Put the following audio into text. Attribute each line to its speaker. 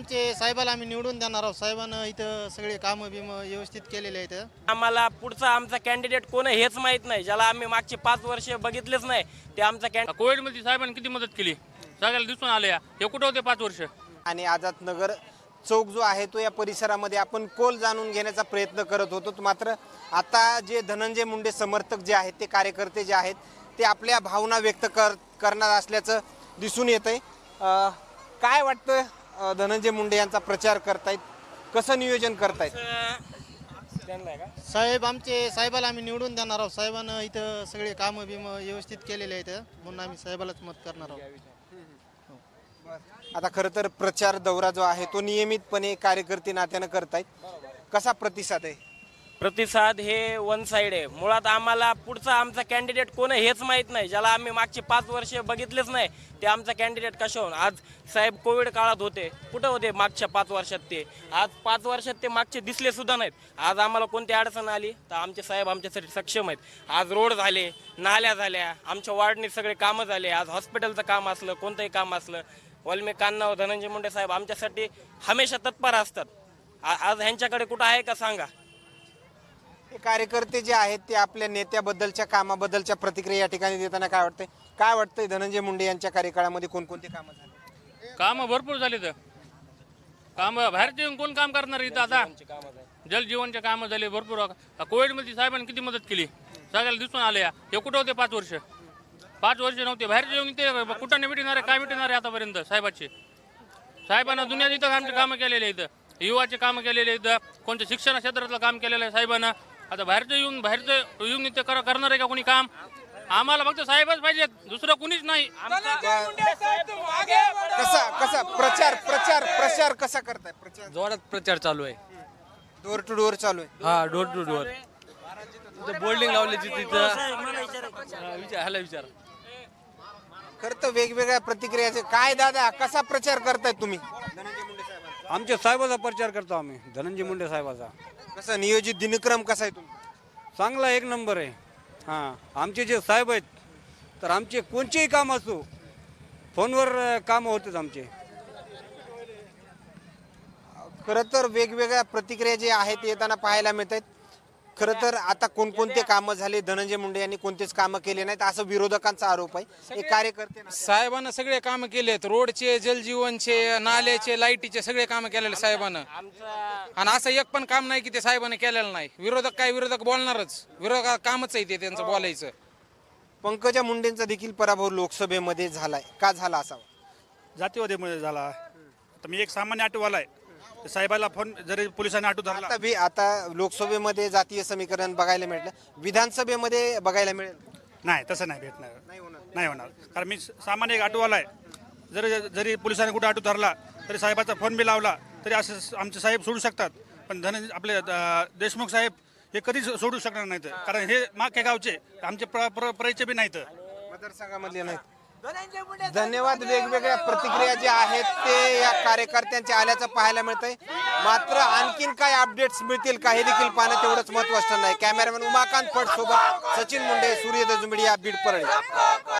Speaker 1: आमचे साहेबाला आम्ही निवडून देणार आहोत. साहेबांना इथं सगळे कामं बिमं व्यवस्थित केलेले आहेत.
Speaker 2: आम्हाला पुढचा आमचा कॅन्डिडेट कोण आहे हेच माहीत नाही. ज्याला आम्ही मागचे 5 वर्ष बघितलेच नाही ते आमचा
Speaker 3: कोविडमध्ये साहेबांनी किती मदत केली सगळ्याला दिसून आलं. हे कुठं होते 5 वर्ष.
Speaker 4: आणि आझाद नगर चौक जो आहे तो या परिसरामध्ये आपण कोल जाणून घेण्याचा प्रयत्न करत होतो. मात्र आता जे धनंजय मुंडे समर्थक जे आहेत ते कार्यकर्ते जे आहेत ते आपल्या भावना व्यक्त करणार असल्याचं दिसून येत आहे. काय वाटतं धनंजय मुंडे यांचा प्रचार करतायत, कसं नियोजन करतायत?
Speaker 1: साहेबाला आम्ही निवडून देणार आहोत. साहेबांना इथं सगळे कामं बिमं व्यवस्थित केलेले आहेत म्हणून आम्ही साहेबालाच मत करणार आहोत.
Speaker 4: आता खरं तर प्रचार दौरा जो आहे तो नियमितपणे कार्यकर्ते नात्यानं करतायत. कसा प्रतिसाद आहे?
Speaker 2: प्रतिसाद हे वन साइड आहे. मुळात आम्हाला पुढचा आमचा कॅन्डिडेट कोण आहे हेच माहीत नाही. ज्याला आम्ही मागचे 5 वर्ष बघितलेच नाही ते आमचा कॅन्डिडेट कशाहून. आज साहेब कोविड काळात होते, कुठं होते मागच्या 5 वर्षात ते. आज 5 वर्षात ते मागचे दिसले सुद्धा नाहीत. आज आम्हाला कोणती अडचण आली तर आमचे साहेब आमच्यासाठी सक्षम आहेत. आज रोड झाले, नाल्या झाल्या, आमच्या वार्डने सगळे कामं झाले. आज हॉस्पिटलचं काम असलं, कोणतंही काम असलं, वाल्मिक कान्हाव धनंजय मुंडे साहेब आमच्यासाठी हमेशा तत्पर असतात. आज ह्यांच्याकडे कुठं आहे का सांगा.
Speaker 4: हे कार्यकर्ते जे आहेत ते आपल्या नेत्याबद्दलच्या कामाबद्दलच्या प्रतिक्रिया या ठिकाणी देताना काय वाटतंय धनंजय मुंडे यांच्या कार्यकाळामध्ये कोणकोणते कामं झाले?
Speaker 3: कामं भरपूर झाले. तर कामं बाहेरचे येऊन कोण काम करणार इथं. आता जलजीवनचे कामं झाले भरपूर. कोविडमध्ये साहेबांनी किती मदत केली सगळ्याला दिसून आलं. हे कुठं होते 5 वर्ष. 5 वर्ष नव्हते बाहेरचे येऊन इथे कुठं नाही भेटणार आहे, काय भेटणार आहे आतापर्यंत. साहेबांना दुनियात इथं आमचे कामं केलेले आहेत. युवाचे कामं केलेले आहेत, कोणत्या शिक्षण क्षेत्रातलं काम केलेलं आहे साहेबांना. आता बाहेरचं येऊन इथे करणार आहे का कोणी काम. आम्हाला फक्त साहेबच पाहिजेत, दुसरं कुणीच नाही.
Speaker 4: कसा प्रचार कसा करताय? प्रचार
Speaker 5: जोरात प्रचार चालू आहे.
Speaker 4: डोर टू डोर चालू आहे.
Speaker 5: हा, डोर टू डोर. तिथं बोर्डिंग लावली तिथं विचार.
Speaker 4: खरं तर वेगवेगळ्या प्रतिक्रियाचे काय दादा, कसा प्रचार करताय तुम्ही?
Speaker 5: आमच्या साहेबाचा प्रचार करतो आम्ही, धनंजय मुंडे साहेबाचा.
Speaker 4: कसं नियोजित दिनक्रम कसा आहे तुम्ही?
Speaker 5: चांगला, एक नंबर आहे. हां, आमचे जे साहेब आहेत तर आमचे कोणतेही काम असो फोनवर कामं होतात आमचे.
Speaker 4: खरं तर वेगवेगळ्या प्रतिक्रिया जे आहेत येताना पाहायला मिळत आहेत. खरं तर आता कोणकोणते कामं झाले, धनंजय मुंडे यांनी कोणतेच कामं केले नाहीत असं विरोधकांचा आरोप आहे. एक कार्यकर्ते
Speaker 6: साहेबांना सगळे कामं केलेत. रोडचे, जलजीवनचे, नाल्याचे, लाईटीचे सगळे कामं केलेले साहेबांना. आणि असं एक पण काम नाही की ते साहेबांनी केलेलं नाही. विरोधक बोलणारच. विरोधक कामच आहे ते त्यांचं बोलायचं.
Speaker 4: पंकजा मुंडेंचा देखील पराभव लोकसभेमध्ये झालाय. का झाला असावा?
Speaker 7: जातीवादीमुळे झाला. आता मी एक सामान्य ऑटोवाला आहे. साहेबाला फोन जरी पोलिसांनी ऑटो धरला.
Speaker 4: आता लोकसभेमध्ये जातीय समीकरण बघायला मिळालं, विधानसभेमध्ये बघायला मिळेल?
Speaker 7: नाही, तसं नाही भेटणार. नाही होणार. कारण मी सामान्य एक ऑटोवाला आहे. जरी पोलिसांनी कुठे ऑटो धरला तरी साहेबाचा फोन बी लावला तरी असं आमचे साहेब सोडू शकतात. पण आपले देशमुख साहेब हे कधीच सोडू शकणार नाहीत. कारण हे मागे गावचे आमचे परिचय बी नाहीत,
Speaker 4: मतदारसंघामध्ये नाहीत. धन्यवाद. वेगवेगळ्या प्रतिक्रिया ज्या आहेत ते या कार्यकर्त्यांच्या आल्याचं पाहायला मिळतंय. मात्र आणखीन काय अपडेट्स मिळतील का हे देखील पाहणं तेवढंच महत्त्वाचं नाही. कॅमेरामॅन उमाकांत फड सोबत सचिन मुंडे, सूर्योदय मीडिया, बीड, परळी.